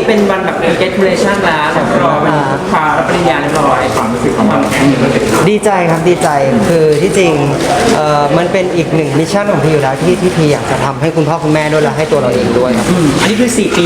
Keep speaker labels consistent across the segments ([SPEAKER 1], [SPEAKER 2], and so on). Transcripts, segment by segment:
[SPEAKER 1] เป็นวันแบบ congratulation แล้วเรียบร้อยวันคว้ารับปริญญาเรียบร้อยความรู้สึกของเรา
[SPEAKER 2] ดีใจครับดีใจคือที่จริงมันเป็นอีกหนึ่งมิชชั่นของพี่อยู่แล้วที่พี่อยากจะทำให้คุณพ่อคุณแม่ด้วยและให้ตัวเราเองด้วยครับ
[SPEAKER 1] อันนี้คือ4 ปี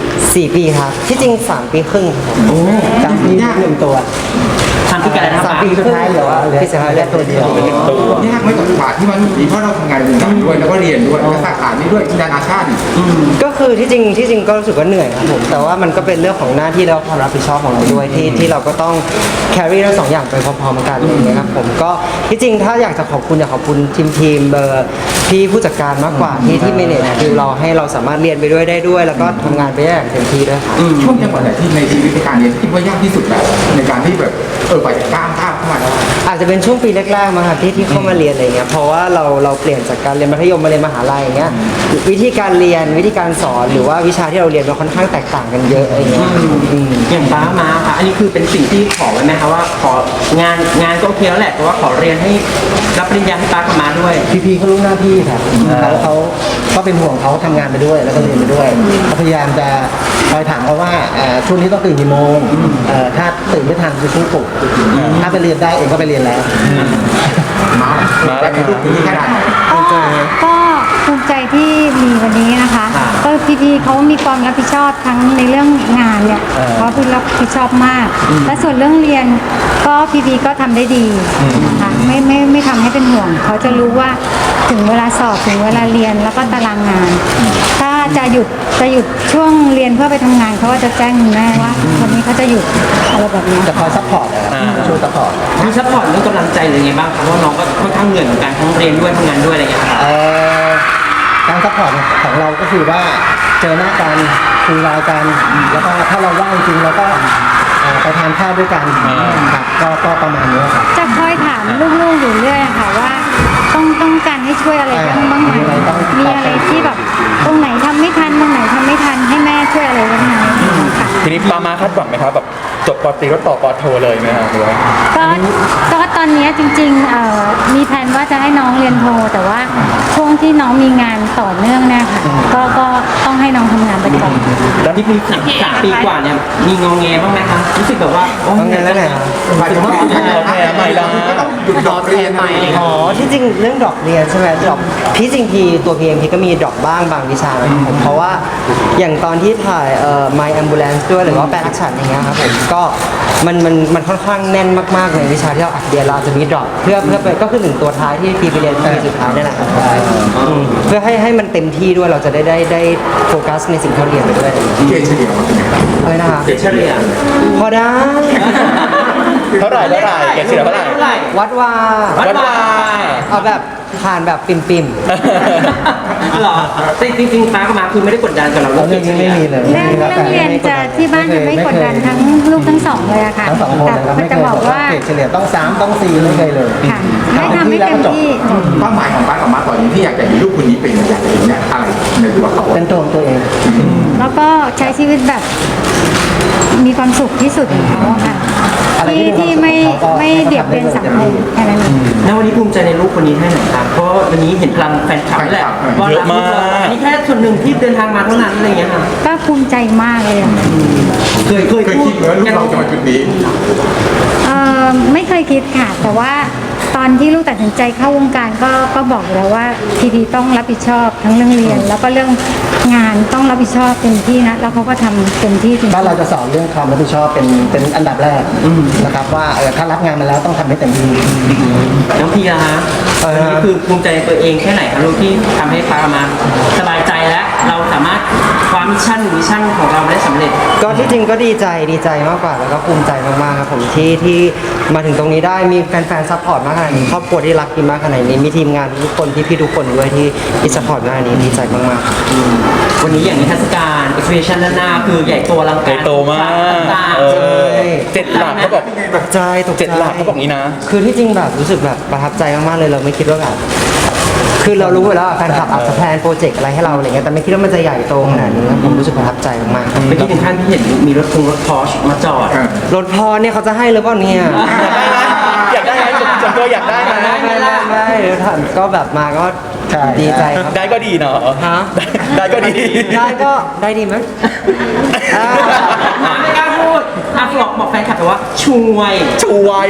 [SPEAKER 2] 4 ปีครับที่จริง3 ปีครึ่งครับผม
[SPEAKER 3] จากที่หนึ่งตัว
[SPEAKER 1] ทำที่การนะครับ
[SPEAKER 2] 3 ปีสุดท้ายเหลือพี่สุดท้ายเหลือตัวเดียว
[SPEAKER 4] ยากไหมกับกว่าที่มันดีเพราะเราทำงานวงการด้วยแล้วก็เรียนด้วยแล้วก็สาขานี้ด้วยนานาชาติ
[SPEAKER 2] ก็คือที่จริงก็รู้สึกว่าเหนื่อยครับผมแต่ว่ามันก็เป็นเรื่องของหน้าที่และความรับผิดชอบของเราด้วยที่เราก็ต้อง carry ทั้งสองอย่างไปพร้อมๆกันนะครับผมก็ที่จริงถ้าอยากจะขอบคุณอยากขอบคุณทีมพี่ผู้จัดการมากกว่าที่เมเนจคือเราให้เราสามารถเรียนไปด้วยได้ด้วย แล้วก็ทำงานไปได้อย่างเต็มที่ด้วยครับ
[SPEAKER 4] ช่วงจังหวะไหนที่ในชีวิตในการเรียนคิดว่ายากที่สุดแบบในการที่แบบกว่าจะก้าวเข้ามาได้
[SPEAKER 2] อาจจะเป็นช่วงปีแรกๆมาครับที่เข้ามาเรียนอะไรเงี้ยเพราะว่าเราเปลี่ยนจากการเรียนมัธยมมาเรียนมหาลัยอย่างเงี้ยวิธีการเรียนวิธีการสอนหรือว่าวิชาที่เราเรียนมันค่อนข้างแตกต่างกันเยอะอะไรเงี้ย
[SPEAKER 1] อย่างป้ามาค่ะอันนี้คือเป็นสิ่งที่ขอไว้ไหมคะว่าของานก็โอเคแล้วแหละแต่ว่าขอเรียนให้รับปริญญาให้ป้ากับมาด้วย
[SPEAKER 3] พี่เขารู้หน้าที่ครับเขาก็เป็นห่วงเขาทำงานไปด้วยแล้วก็เรียนไปด้วยเขาพยายามจะคอยถามเขาว่าช่วงนี้ต้องตื่นกี่โมงถ้าตื่นไม่ทันจะช่วยปลุกถ้าไปเรียนได้เองก็ไปเรียนแล้ว
[SPEAKER 4] มาแต่ในรูปนี้ขนาดไหน
[SPEAKER 5] ก็ภูมิใจที่มีวันนี้นะคะ ก็พี่ๆเขามีความรับผิดชอบทั้งในเรื่องงานเนี่ยเขาเป็นรับผิดชอบมาก และส่วนเรื่องเรียนก็พี่ๆก็ทำได้ดีนะคะไม่ทำให้เป็นห่วงเขาจะรู้ว่าถึงเวลาสอบถึงเวลาเรียนแล้วก็ตารางงาน ถ้าจะหยุดช่วงเรียนเพื่อไปทำงานเขาก็จะแจ้งคุณแม่ว่าวันนี้เขาจะหยุดอะไรแบบนี้
[SPEAKER 3] จะคอยซัพพอร์ตนะครับช่วยซัพพอร์ต
[SPEAKER 1] มีซัพพอร์ตเรื่องกำลังใจหรือไงบ้างครับเพราะน้องก็ค่อนข้างเหนื่อยเหมือนกันทั้งเรียนด้วยทำงานด้วยอะไรอย่างเงี้ยครับ
[SPEAKER 3] การซัพพอร์ตของเราก็คือว่าเจอหน้ากันคุยไลน์กันแล้วก็ถ้าเราว่างจริงเราก็ไปทานข้าวด้วยกันครับก็ประมาณนี้ครับ
[SPEAKER 5] จะคอยถามลูกๆอยู่เรื่อยค่ะว่าต้องการให้ช่วยอะไรบ้างไหมมีอะไรที่แบบตรงไหนทำไม่ทันตรงไหนทำไม่ทันให้แม่ช่วยอะไรบ้างไหมค่ะ
[SPEAKER 6] ทีนี้ปามาคาดหวังไหมครับแบบจบปตรีก็ต่อปโทเลยไหมครับหรือว่า
[SPEAKER 5] ก็ตอนนี้จริงๆมีแผนว่าจะให้น้องเรียนโทแต่ว่าช่วงที่น้องมีงานต่อเนื่องเนี่ยค่ะก็ต้องให้น้องทำงานไปก่อน
[SPEAKER 1] แล้วที่มี3 ปีกว่าเนี่ยมีงองแงบ้างไหมคะรู้สึกแบบว่าโอ้
[SPEAKER 2] งอแงแล้วไหนครับ
[SPEAKER 4] หมายถึงว่าคุณจะ
[SPEAKER 6] แพ้ใหม่ละ
[SPEAKER 4] ก็ต้องหยุดดอกเรียนอะไรอย่างเงี้ย
[SPEAKER 2] อ๋อที่จริงเรื่องดรอปเรียนใช่ไหมดรอปพี่จริงตัวพีเอ็มพีก็มีดรอปบ้างบางวิชานะครับผมเพราะว่าอย่างตอนที่ถ่ายMy Ambulance ด้วยหรือว่าแปลรักฉันอย่างเงี้ยครับผมก็มันค่อนข้างแน่นมากๆในวิชาที่เราอัดเรียนเราจะมีดรอปเพื่อไปก็คือ1 ตัวท้ายที่พีไปเรียนปีสุดท้ายนี่แหละครับเพื่อให้มันเต็มที่ด้วยเราจะได้โฟกัสในสิ่งที่เราเรียนไปด้วย
[SPEAKER 4] เกรดเฉลี่ยมันเป็นไงครับ
[SPEAKER 2] อะไรนะครับ
[SPEAKER 1] เฉลี่ย
[SPEAKER 2] พอได้
[SPEAKER 6] เท่าไหร่เกรดเฉลี่ยเท่าไหร่
[SPEAKER 2] วัดว่า
[SPEAKER 1] วัดว่า
[SPEAKER 2] เอาแบบผ่านแบบปิ่ม
[SPEAKER 1] หรอจริงๆป้ากับมาคือไม่ได้กดดันกับเรา
[SPEAKER 3] เรื่องนี้ไม่มีเลย
[SPEAKER 5] เรื่องเรียนจะที่บ้านจะไม่กดดันทั้งลูกทั้งสองเลยอะค่ะ
[SPEAKER 3] ทั้งสองคนเลยครับ
[SPEAKER 5] แต่
[SPEAKER 3] ไม่เค
[SPEAKER 5] จะ
[SPEAKER 3] ย
[SPEAKER 5] บบ อ
[SPEAKER 3] อก ก
[SPEAKER 5] ว่า
[SPEAKER 3] ว่าเกรดเฉลี่ยต้อง3ต้อง4ไม่เคยเลย
[SPEAKER 5] ค่ะให้ทำให้เต็มที่
[SPEAKER 4] เป้าหมายของป้ากับมาตอนนี้ที่อยากจะเห็นลูกคนนี้เป็นอยากจะเห็นเนี่ยอะไรในตัวเขา
[SPEAKER 3] เป็นตัวของตัวเอง
[SPEAKER 5] แล้วก็ใช้ชีวิตแบบมีความสุขที่สุดของเขาอะค่ะ
[SPEAKER 3] อะไรที่
[SPEAKER 5] ที่
[SPEAKER 3] มีความสุข
[SPEAKER 5] ไม่
[SPEAKER 3] เขาก็
[SPEAKER 5] เบียดเบียนสังคมแค่นั้นเอง
[SPEAKER 1] แล้ววันนี้ภูมิใจในลูกคนนี้แค่ไหนครับเพราะวันนี้เห็นพลังแฟนคลับนี่แหละว่ารักลูกเราอันนี้แค่ส่วนหนึ่งที่เดินทางมาเท่านั้นอะไรอย่างเงี้ยค่ะ
[SPEAKER 5] ก็ภูมิใจมากเลยอะ
[SPEAKER 1] เคย
[SPEAKER 4] เคยคิดไหมว่าลูกเราจะมาจุดนี้
[SPEAKER 5] ไม่เคยคิดค่ะ แต่ว่าตอนที่ลูกตัดสินใจเข้าวงการก็บอกอยู่แล้วว่าพีพีต้องรับผิดชอบทั้งเรื่องเรียน แล้วก็เรื่องงานต้องรับผิดชอบเต็มที่นะแล้วเขาก็ทำเต็มที่จริง
[SPEAKER 3] บ้านเราจะสอนเรื่องความรับผิดชอบเป็นอันดับแรกนะครับว่าถ้ารับงานมาแล้วต้องทำให้เต็มที่
[SPEAKER 1] น้องพีนะฮะวันนี้คือภูมิใจในตัวเองแค่ไหนครับลูกที่ทำให้ป้ามาสบายใจแล้วเราสามารถความมิชชั่นของเราได้สำเร็จ
[SPEAKER 2] ๆก็ที่จริงก็ดีใจมากกว่าแล้วก็ภูมิใจมากๆครับผมที่มาถึงตรงนี้ได้มีแฟนๆซัพพอร์ตมากขนาดนี้ครอบครัวที่รักกินมากขนาดนี้มีทีมงานทุกคนพี่ๆทุกคนด้วยที่ซัพพอร์ตมากขนาดนี้ดีใจมากๆครับ
[SPEAKER 1] วันนี้อย่างนิทรรศการ exhibition ด้านหน้าคือใหญ่โตอลัง
[SPEAKER 6] ให
[SPEAKER 1] การ
[SPEAKER 6] ญ่โตมาก
[SPEAKER 1] ต่าง
[SPEAKER 6] เอ
[SPEAKER 1] ๆ
[SPEAKER 6] อ7 หลักเขาบอก
[SPEAKER 2] ตกใจ
[SPEAKER 6] 7 หลักเขาบอกนี้นะ
[SPEAKER 2] คือที่จริงแบบรู้สึกแบบประทับใจมากๆเลยเราไม่คิดว่าแบบคือเรารู้อยู่แล้วแฟนคลับอาจจะแพลนโปรเจกต์อะไรให้เราอะไรเงี้ยแต่ไม่คิดว่ามันจะใหญ่โตขนาดนี้ผมรู้สึกประทับใจมากๆครับ
[SPEAKER 1] เมื่อกี้ถึงขั้นที่เห็นมีรถพอร์ชมาจอด
[SPEAKER 2] รถพอเนี่ยเขาจะให้หรือเปล่าเนี่ย
[SPEAKER 6] อยากได้ไหมส่วนตัวอยากได้ไหม
[SPEAKER 2] ไม่เดี๋ยวถามก็แบบมาก็
[SPEAKER 3] ใช่
[SPEAKER 2] ดีใจครับ
[SPEAKER 6] ได้ก็ดีเนาะ
[SPEAKER 2] ฮะ
[SPEAKER 6] ได้ก็ดี
[SPEAKER 2] ได้ก็ได้ดีไหมอ่า
[SPEAKER 1] ไม่กล้าพูดบอกแฟนคลับแต่ว่าช่วย
[SPEAKER 6] ช่วย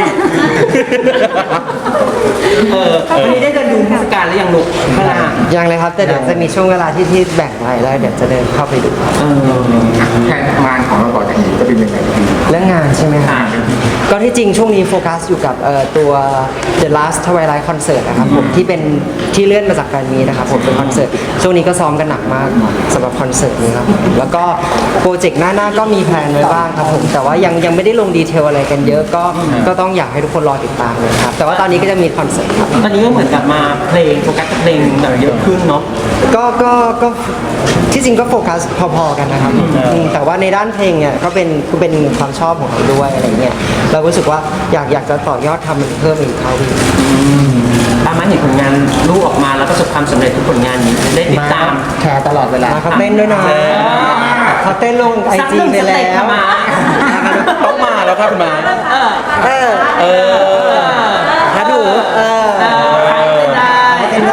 [SPEAKER 1] วันนี้ได้เดินดูเทศกาลหรือยังลูกพลา
[SPEAKER 2] ยังเลยครับแต่เดี๋ยวจะมีช่วงเวลาที่แบ่งไว้แล้วเดี๋ยวจะเดินเข้าไปดูครับ
[SPEAKER 4] แผนงานของเราต่อจากนี้จะเป็นยังไง
[SPEAKER 2] เรื่องงานใช่ไหมครับก็ที่จริงช่วงนี้โฟกัสอยู่กับตัว The Last Twilight Concert นะครับผมที่เป็นที่เลื่อนมาจากแฟนมีตนะครับผมเป็นคอนเสิร์ตช่วงนี้ก็ซ้อมกันหนักมากสำหรับคอนเสิร์ตนี้ครับแล้วก็โปรเจกต์หน้าก็มีแพลนไว้บ้างครับผมแต่ว่ายังไม่ได้ลงดีเทลอะไรกันเยอะก็ต้องอยากให้ทุกคนรอติดตามเลยครับแต่ว่าตอนนี้ก็จะมีคอนเสิร์ตครับ
[SPEAKER 1] ตอนนี้ก็เหมือนกับมาเพลงโฟกัสกับเพลงแบบเยอะขึ้นเนาะ
[SPEAKER 2] ก็ที่จริงก็โฟกัสพอๆกันนะครับแต่ว่าในด้านเพลงเนี่ยก็เป็นความชอบของเราด้วยอะไรเงี้ยเรารู้สึกว่าอยากจะต่อยอดทำมันเพิ่มอีกเท่าอีก
[SPEAKER 1] ตามมาเห็นผลงานลูกออกมาแล้วก็ประสบความสำเร็จทุกผลงานนี้ได้ติดตาม
[SPEAKER 3] แชร์ตลอดเวลา
[SPEAKER 2] เขาเต้นด้วยนะเขาเต้นลงไอ
[SPEAKER 1] สัก
[SPEAKER 2] จี
[SPEAKER 1] หนึ่ง
[SPEAKER 2] ไป
[SPEAKER 1] ส
[SPEAKER 2] แล้
[SPEAKER 1] เต็ป
[SPEAKER 2] ว
[SPEAKER 1] ค่ะมา
[SPEAKER 6] ต้องมาแล้วครับคุณมา
[SPEAKER 2] เออ
[SPEAKER 6] เออ
[SPEAKER 2] ถ้าดู
[SPEAKER 1] ได้
[SPEAKER 2] เต้นได้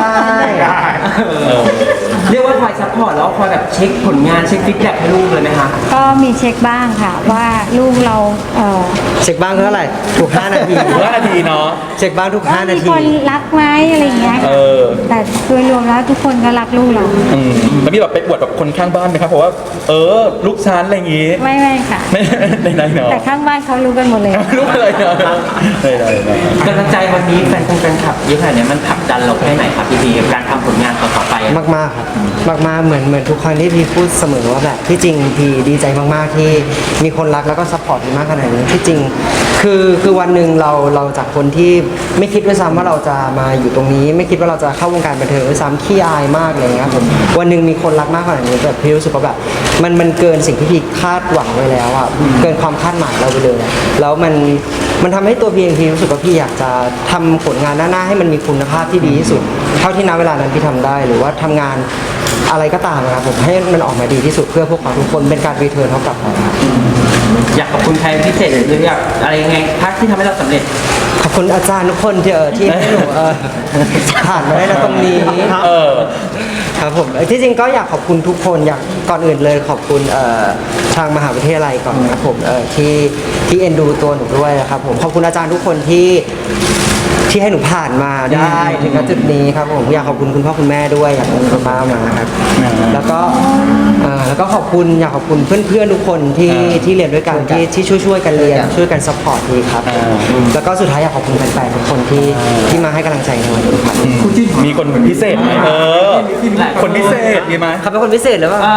[SPEAKER 1] เรียกว่าคอยซัพพอร์ตแล้วคอยแบบเช็คผลงานเช็คฟีดแบ็กให้ลูกเลยไหมคะ
[SPEAKER 5] ก็มีเช็คบ้างค่ะว่าลูกเรา
[SPEAKER 2] เช็คบ้างเท่าไหร่ทุก5นาที
[SPEAKER 6] 5 นาทีเนาะ
[SPEAKER 2] เช็คบ้างทุก5
[SPEAKER 5] มี
[SPEAKER 2] นาที
[SPEAKER 5] คนรักไหมอะไรอย่างเงี้ย
[SPEAKER 6] เอ
[SPEAKER 5] ค่ะ
[SPEAKER 6] อ
[SPEAKER 5] แต่โดยรวมแล้วทุกคนก็รักลูกเรา
[SPEAKER 6] แล้วมีแบบไปอวดแบบคนข้างบ้านไหมครับเพราะว่าลูกชั้นอะไรอย่างงี้
[SPEAKER 5] ไม่ค่ะ
[SPEAKER 6] ไม่ในเนาะ
[SPEAKER 5] แต่ข้างบ้านเขารู้กันหมดเลย
[SPEAKER 6] ลูกอะไรเนาะได้
[SPEAKER 1] กำลังใจวันนี้แฟนคลับเยอะขนาดนี้มันผลักดันเราแค่ไหนครับพี่กับการทำผลงานต่อๆไปอะ
[SPEAKER 2] มากๆครับมากๆเหมือนทุกครั้งที่พี่พูดเสมอว่าแบบที่จริงพี่ดีใจมากๆที่มีคนรักแล้วก็ซัพพอร์ตพี่มากขนาดนี้ที่จริงคือวันหนึ่งเราจากคนที่ไม่คิดด้วยซ้ำว่าเราจะมาอยู่ตรงนี้ ไม่คิดว่าเราจะเข้าวงการบันเทิงด้วยซ้ำขี้อายมากอะไรเงี้ยครับผมวันหนึ่งมีคนรักมากขนาดนี้แบบพี่รู้สึกว่าแบบมันเกินสิ่งที่พี่คาดหวังไว้แล้วอ่ะเกินความคาดหมายเราไปเลยอะแล้วมันทำให้ตัวพี่เองพี่รู้สึกว่าพี่อยากจะทำผลงานหน้าๆให้มันมีคุณภาพที่ดีที่สุด เท่าที่ณเวลานั้นพี่ทำได้หรือว่าทำงานอะไรก็ตามนะครับผมให้มันออกมาดีที่สุดเพื่อพวกเราทุกคนเป็นการรีเทิร์นเขากลับมาครับ
[SPEAKER 1] อยากขอบคุณใครพิเศษหรืออยากอะไรยังไงพักที่ทำให้เราสำเร็จ
[SPEAKER 2] ขอบคุณอาจารย์ทุกคนที่ให้หนูผ่านมาได้นะตรงนี้ ครับผมที่จริงก็อยากขอบคุณทุกคนอยากก่อนอื่นเลยขอบคุณทางมหาวิทยาลัยก่อนนะครับผมที่เอ็นดูตัวหนูด้วยนะครับผมขอบคุณอาจารย์ทุกคนที่ให้หนูผ่านมาได้ถึงณจุดนี้ครับผมอยากขอบคุณคุณพ่อคุณแม่ด้วยอยากขอบคุณคุณป้ามาครับแล้วก็ขอบคุณอยากขอบคุณเพื่อนๆทุกคนที่เรียนด้วยกันที่ช่วยกันเรียนช่วยกันซัพพอร์ตดีครับแล้วก็สุดท้ายอยากขอบคุณแฟนๆทุกคนที่มาให้กำลังใจในวันนี้ครับ
[SPEAKER 6] มีคนพิเศษไหมคนพิเศษมีไหม
[SPEAKER 2] เขาเป็นคนพิเศษหรือเปล่า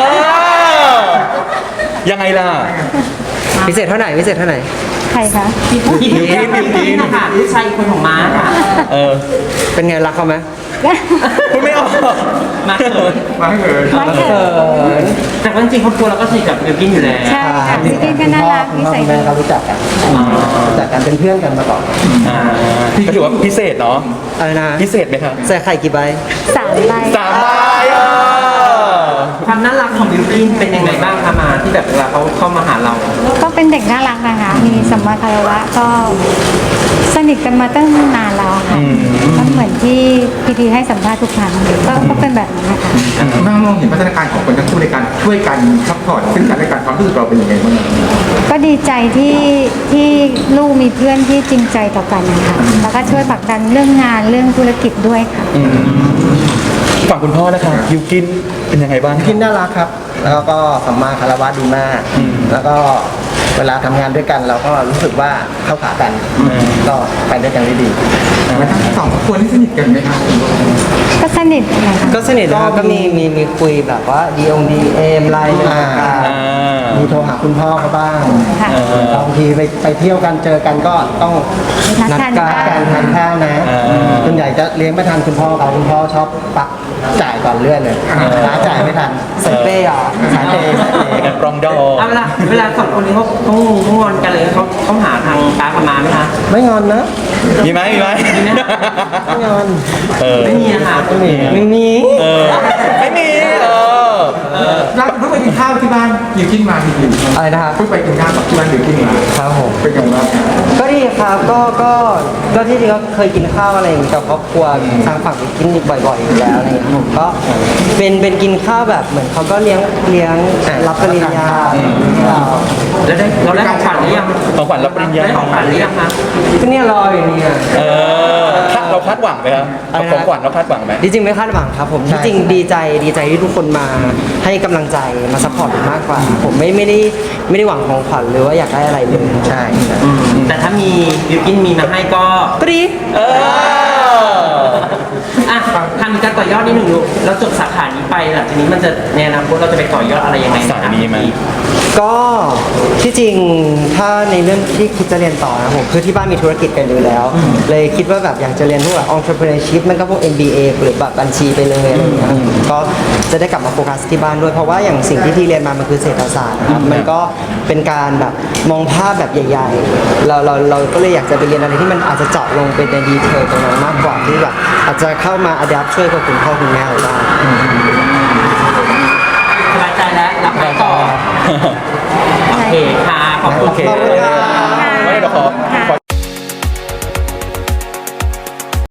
[SPEAKER 6] ยังไงล่ะ
[SPEAKER 2] พิเศษเท่าไหร่พิเศษเท่าไหร่
[SPEAKER 5] ใครคะ
[SPEAKER 1] พี่นะคะลูกชายอีกคนของม้าค่ะ
[SPEAKER 2] เป็นไงรักเขาไหม
[SPEAKER 6] พูดไม่ออก
[SPEAKER 1] มาเขิน
[SPEAKER 4] มาให้เลย
[SPEAKER 5] ไม่เกิด
[SPEAKER 1] แต่ว่าจริงๆครอบครัวเราก็สนิทกับเบลกินอยู่แล้ว
[SPEAKER 5] ใช่ค่ะซิกินก็น่ารัก
[SPEAKER 3] คุณ
[SPEAKER 5] นิ
[SPEAKER 3] พ่อ
[SPEAKER 5] สัย
[SPEAKER 3] คุณ
[SPEAKER 5] ดี
[SPEAKER 3] แม่เขารู้จักกันเป็นเพื่อนกันมาก่อน
[SPEAKER 6] ก็ถือว่าพิเศษเนาะ
[SPEAKER 2] อะไรนะ
[SPEAKER 6] พิเศษไหมครับ
[SPEAKER 2] ใส่ไข่กี่ใบ
[SPEAKER 5] 3 ใบ
[SPEAKER 6] 3 ใบ
[SPEAKER 1] ความน่ารักของบิวกินเป็นยังไงบ้างคะมาที่แบบเวลาเขาเข้ามาหาเรา
[SPEAKER 5] ก็เป็นเด็กน่ารักนะคะ มีสัมมาคารวะก็สนิทกันมาตั้งนานแล้วค่ะก็เหมือนที่พีทีให้สัมภาษณ์ทุกครั้งก็เป็นแบบนั้นนะคะ
[SPEAKER 4] แม่มองเห็นพัฒนาการของคนทั้งคู่ในการช่วยกันซัพพอร์ตซึ่งกันและกันความรู้สึกเราเป็นยังไงบ้าง
[SPEAKER 5] ก็ดีใจที่ลูกมีเพื่อนที่จริงใจต่อกันนะคะแล้วก็ช่วยผลักดันเรื่องงานเรื่องธุรกิจด้วยค่ะ
[SPEAKER 6] ฝั่งคุณพ่อนะคะยูกินเป็นยังไงบ้าง
[SPEAKER 3] กินน่ารักครับ แล้วก็สัมมาคารวะดีมาก แล้วก็เวลาทำงานด้วยกันเราก็รู้สึกว่าเข้าขากัน ก็ไปด้วยกันได้ดี
[SPEAKER 4] ทั้งสองคนที่สนิทกันไหมครับ
[SPEAKER 5] ก็สนิทนะคะ
[SPEAKER 2] ก็สนิทแล้วก็มีคุยแบบว่าDMM ไลน์กัน
[SPEAKER 3] มีโทรหาคุณพ่อเขาบ้าง
[SPEAKER 5] ค่ะ
[SPEAKER 3] บางทีไปเที่ยวกันเจอกันก็ต้อง
[SPEAKER 5] นัดทาน
[SPEAKER 3] นัดกันทานข้าวนะส่วนใหญ่จะเลี้ยงไม่ทันคุณพ่อเขาคุณพ่อชอบปักจ่ายก่อนเลื่อนเลยร้าจ่ายไม่ทัน
[SPEAKER 2] สายเป้ย์เหรอ
[SPEAKER 3] สายเปย์
[SPEAKER 6] เป็นการปรองดอง
[SPEAKER 1] เอาเวลาสองคนนี้เขางอนกันเลยเขาหาทางป้ากับม้าไหมคะ
[SPEAKER 3] ไม่งอนนะ
[SPEAKER 6] มีไหม
[SPEAKER 3] ไม่งอน
[SPEAKER 6] เออ
[SPEAKER 1] ไม่มีนะคะ
[SPEAKER 3] ไม่มี
[SPEAKER 2] ไม่มี
[SPEAKER 6] ไม่มี
[SPEAKER 4] แล้วเพิ่งไปกินข้าวที่บ้านอยู่กินมาจริง
[SPEAKER 2] อะไรนะครับ
[SPEAKER 4] เพิ่งไปกินข้าวกับที่บ้านอยู่กินมา
[SPEAKER 2] ครับผม
[SPEAKER 4] เป็นยังไงบ้าง
[SPEAKER 2] ก็ดีครับก็ที่จริงก็เคยกินข้าวอะไรอย่างงี้กับครอบครัวทางฝั่งไปกินบ่อยๆอยู่แล้วอะไรอย่างเงี้ยผมก็เป็นกินข้าวแบบเหมือนเขาก็เลี้ยงรับปริญญาให้เรา
[SPEAKER 1] แล้วเราได้ของขวัญหรือยัง
[SPEAKER 6] ของขวัญรับปริญญา
[SPEAKER 1] ได้ของขวัญหรือยังคะ
[SPEAKER 2] ก็เนี่ยรออยู่เนี่ย
[SPEAKER 6] เราคาดหวังไหมครับ
[SPEAKER 2] อะไรนะ
[SPEAKER 6] ของขวัญเราคาดหวังไหม
[SPEAKER 2] จริงๆไม่คาดหวังครับผมที่จริงดีใจที่ทุกคนมาให้กำลังใจมาซัพพอร์ตผมมากกว่า ผมไม่ได้หวังของขวัญหรือว่าอยากได้อะไรเลยใช่
[SPEAKER 1] แต่ถ้ามีบิวกินมีมาให้ก็
[SPEAKER 2] ก็ดี
[SPEAKER 1] อ่ะทำการต่อยอดนิดหนึ่งลูกเราจบสาขานี้ไปหลังจากนี้มันจะในอนาคตเราจะไปต่อยอดอะไรยังไง
[SPEAKER 6] สายนี้ไหม
[SPEAKER 2] ก็ที่จริงถ้าในเรื่องที่คิดจะเรียนต่อนะผมคือที่บ้านมีธุรกิจกันอยู่แล้ว เลยคิดว่าแบบอยากจะเรียนพวกแบบ entrepreneurship มันก็พวก MBA หรือแบบบัญชีไปเลยอะไรอย่างเงี้ยก็จะได้กลับมาโฟกัสที่บ้านด้วยเพราะว่าอย่างสิ่งที่พี่เรียนมามันคือเศรษฐศาสตร์นะครับมันก็เป็นการแบบมองภาพแบบใหญ่ๆเราก็เลยอยากจะไปเรียนอะไรที่มันอาจจะเจาะลงไปในดีเทลตรงนั้นมากกว่าที่แบบอาจจะเข้ามา adapt ช่วยกับคุณพ่อคุณแม่เราได้
[SPEAKER 1] สบายใจแล้วรับไปต่อโอเคค่ะขอบคุณ
[SPEAKER 6] โอเค
[SPEAKER 2] ขอบคุณครับ
[SPEAKER 6] ไม่เดี๋ยวขอ